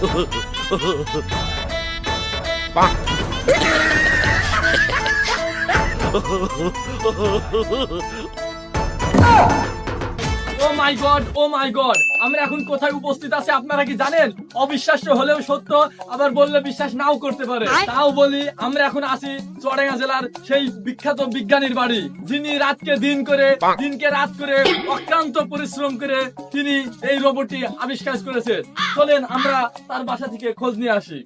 ও মাই god, ও মাই god, আমরা এখন কোথায় উপস্থিত আছি আপনারা কি জানেন? অবিশ্বাস্য হলেও সত্য, আবার বললে বিশ্বাস নাও করতে পারে। তাও বলি, আমরা এখন আছি চুয়াডাঙ্গা জেলার সেই বিখ্যাত বিজ্ঞানীর বাড়ি, যিনি রাতকে দিন করে, দিনকে রাত করে, অক্লান্ত পরিশ্রম করে তিনি এই রোবটটি আবিষ্কার করেছেন। চলেন আমরা তার বাসা থেকে খোঁজ নিয়ে আসি।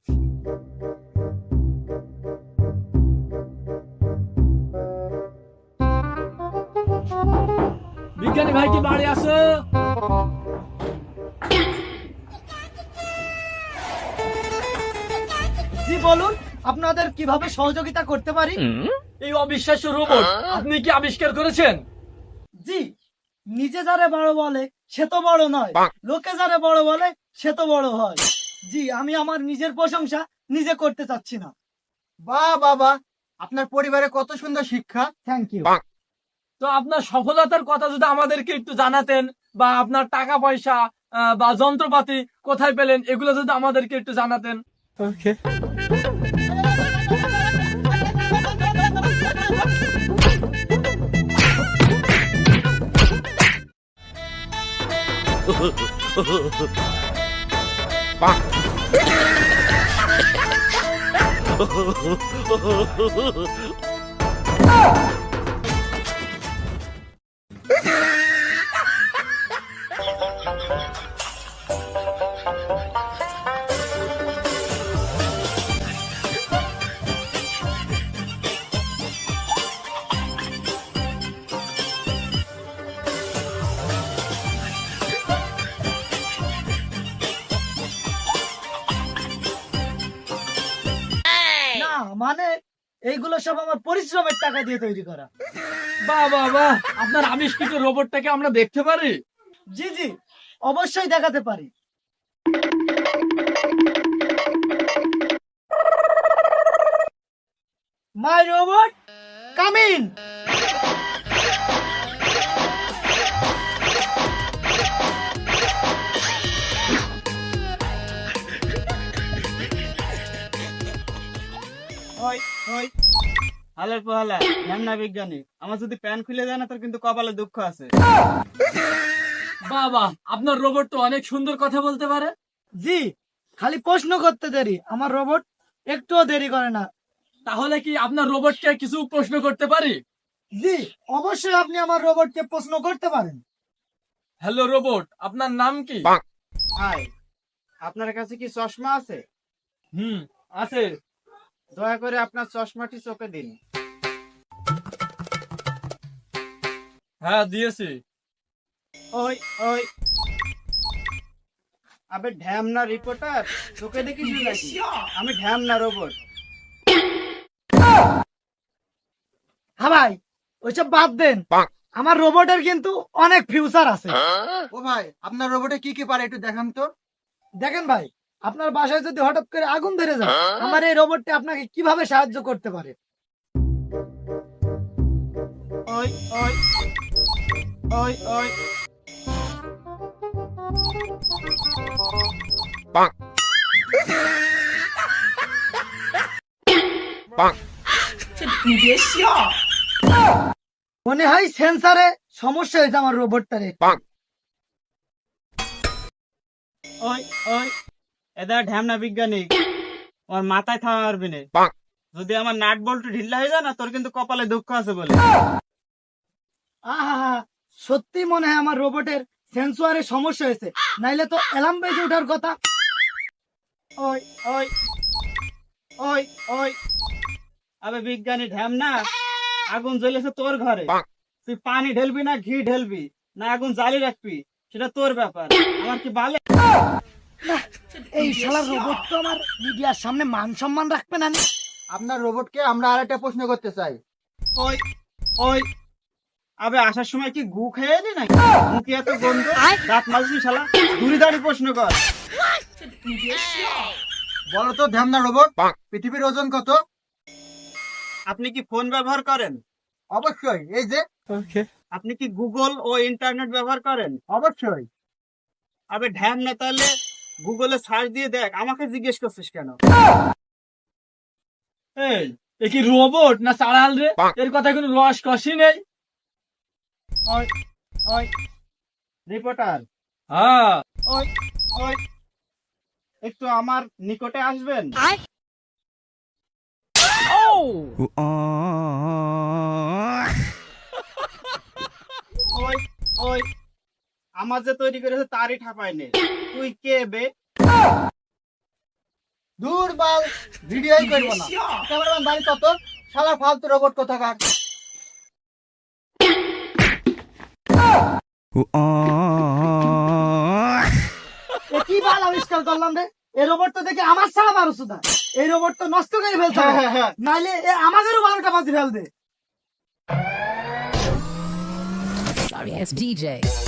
বিজ্ঞানী ভাই কি বাড়ি আসো? জি বলুন, আপনাদের কিভাবে সহযোগিতা করতে পারি? এই অবিশ্বাস্য রোবট আপনি কি আবিষ্কার করেছেন? জি, নিজে যারে বড় বলে সে তো বড় নয়, লোকে যারে বড় বলে সে তো বড় হয়। জি, আমি আমার নিজের প্রশংসা নিজে করতে চাচ্ছি না। বাহ বাবা, আপনার পরিবারে কত সুন্দর শিক্ষা। Thank you. তো আপনার সফলতার কথা যদি আমাদেরকে একটু জানাতেন, বা আপনার টাকা পয়সা বা যন্ত্রপাতি কোথায় পেলেন, এগুলো যদি আমাদেরকে একটু জানাতেন। না মানে, এইগুলো সব আমার পরিশ্রমের টাকা দিয়ে তৈরি করা। বাহ বাহ বাহ, আপনার আবিষ্কৃত রোবটটাকে আমরা দেখতে পারি? জি জি, অবশ্যই দেখাতে পারি। My robot come in. ওই ওই হালের পোহালা ধ্যামনা বিজ্ঞানী, আমার যদি প্যান খুলে যায় না তোর কিন্তু কপালে দুঃখ আছে। বাহ বাহ, আপনার রোবট তো অনেক সুন্দর কথা বলতে পারে। জি, খালি প্রশ্ন করতে দেরি, আমার রোবট একটুও দেরি করে না। তাহলে কি আপনার রোবটকে কিছু প্রশ্ন করতে পারি? জি, অবশ্যই আপনি আমার রোবটকে প্রশ্ন করতে পারেন। হ্যালো রোবট, আপনার নাম কি? হাই, আপনার কাছে কি চশমা আছে? আছে। দয়া করে আপনার চশমাটি চোখে দিন। হ্যাঁ দিয়েছি। ওই ওই আবে ঢ্যামনা রিপোর্টার, চোখে দেখিস নাকি? আমি ঢ্যামনা রোবট। হ্যাঁ ভাই, ওইসব বাদ দেন। আমার রোবটের কিন্তু অনেক ফিউচার আছে। ও ভাই, আপনার রোবটে কি কি পারে একটু দেখান তো। দেখেন ভাই, আপনার বাসায় যদি হঠাৎ করে আগুন ধরে যায়, আমার এই রোবটটি আপনাকে কিভাবে সাহায্য করতে পারে। ওই ওই ওই ওই মনে হয় সেন্সারে সমস্যা হয়েছে আমার রোবটটারে। ওই ওই এদা ঢ্যামনা বিজ্ঞানী, আমার মাথায় থামা পারবি না। যদি আমার নাট বল্টু ঢিল্লা হয়ে যায় না তোর কিন্তু কপালে দুঃখ আছে বলে। আহা, সত্যি মনে হয় আমার রোবটের সেন্সরে সমস্যা হয়েছে, নাইলে তো অ্যালার্ম বেজে ওঠার কথা। ওই ওই ওই ওই আবে বিজ্ঞানী ঢ্যামনা, আগুন জ্বলেছে তোর ঘরে, তুই পানি ঢেলবি না ঘি ঢেলবি না আগুন জ্বালিয়ে রাখবি সেটা তোর ব্যাপার, আমার কি বালে? এই শালা রোবট তো আমার মিডিয়ার সামনে মান সম্মান রাখবে না। আপনার রোবটকে আমরা আরেকটা প্রশ্ন করতে চাই। ওই ওই আবে আসার সময় কি গু খেয়ে এলি নাকি? মুখে এত গন্ধ, দাঁত মাজবি শালা, দূরে দাঁড়িয়ে প্রশ্ন কর। বলো তো ধ্যামনা রোবট, পৃথিবীর ওজন কত? আপনি কি ফোন ব্যবহার করেন? অবশ্যই। এই যে আপনি কি গুগল ও ইন্টারনেট ব্যবহার করেন? অবশ্যই। আবে ঢ্যামনা, তাহলে গুগলে সার্চ দিয়ে দেখ, আমাকে জিজ্ঞেস করছিস কেন? এই এ কি রোবট না চাড়াল রে? এর কথা কোনো রস কষি নেই। ওই ওই রিপোর্টার, হ্যাঁ ওই ওই একটু আমার নিকটে আসবেন। ওই ওই আমার যে তৈরি করেছে তারই ঠাপাই নেই। তুই কে বে? দূর বাল, ভিডিওই করবো না। ক্যামেরাম্যান বাড়ি কত, শালা ফালতু রোবট কোথাকার। এ কি বাল আবিষ্কার করলাম রে? এই রোবট তো দেখে আমার ছাড়া মানুষ না, এই রোবট তো নষ্ট করে ফেলতে হবে। নাইলে এ আমাদেরও 12টা বাজি ফেলবে। Sorry, it's DJ.